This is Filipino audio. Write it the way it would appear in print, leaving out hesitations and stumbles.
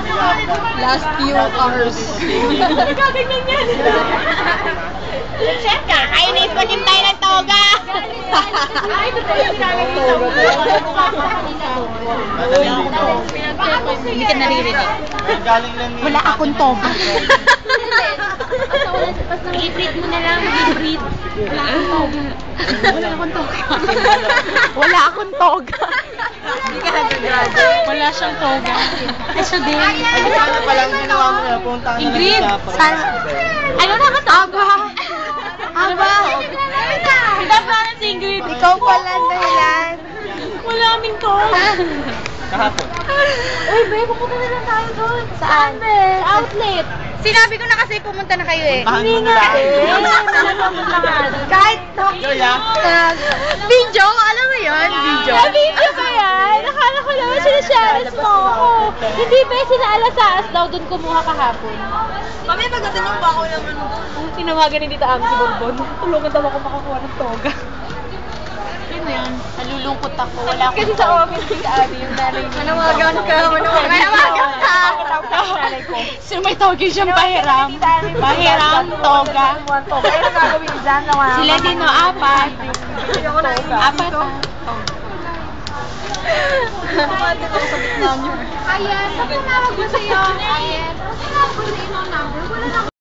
Last few hours. Nagkaganyan yan. Chef ka, kainis pa din tayo ng toga. Ay, ito tayo sinagay ng toga. Hindi ka naririnig. Wala akong toga. I-breathe mo na lang, i-breathe. Wala akong toga. Wala akong toga. Wala siyang toga. Ay, siya din. Sana palang ginawa mo na punta Ingrid, Ano na ka toga? Aba. Pinaplanan si Ingrid. Ikaw pala dahilan. Wala kaming toga. Kahapon. Uy, babe, pupunta na lang tayo doon. Saan, be? Sa outlet. Sinabi ko na kasi pumunta na kayo eh. Hindi nga Kahit Joya. Video? Alam mo yun? Video? video ba yan? Nakala ko naman sinashares mo ako. Hindi ba sila alasaas daw doon kumuha kahapon? Kami pagdating yung bako naman. Tinawagan ni Tita Ami si Bonbon. Tulungan daw ako makakuha ng toga. Ano yan? Nalulungkot ako. Wala akong Kasi sa office si Abi, yung nanay niya. Manawagan ka. Manawagan ka. Sino may toga siyang pahiram? Pahiram, toga. Ano gagawin dyan? Sila din o, apat. Apat. Ayan, sa tumawag mo sa'yo. Ayan, sa tumawag mo sa'yo ng number. Wala na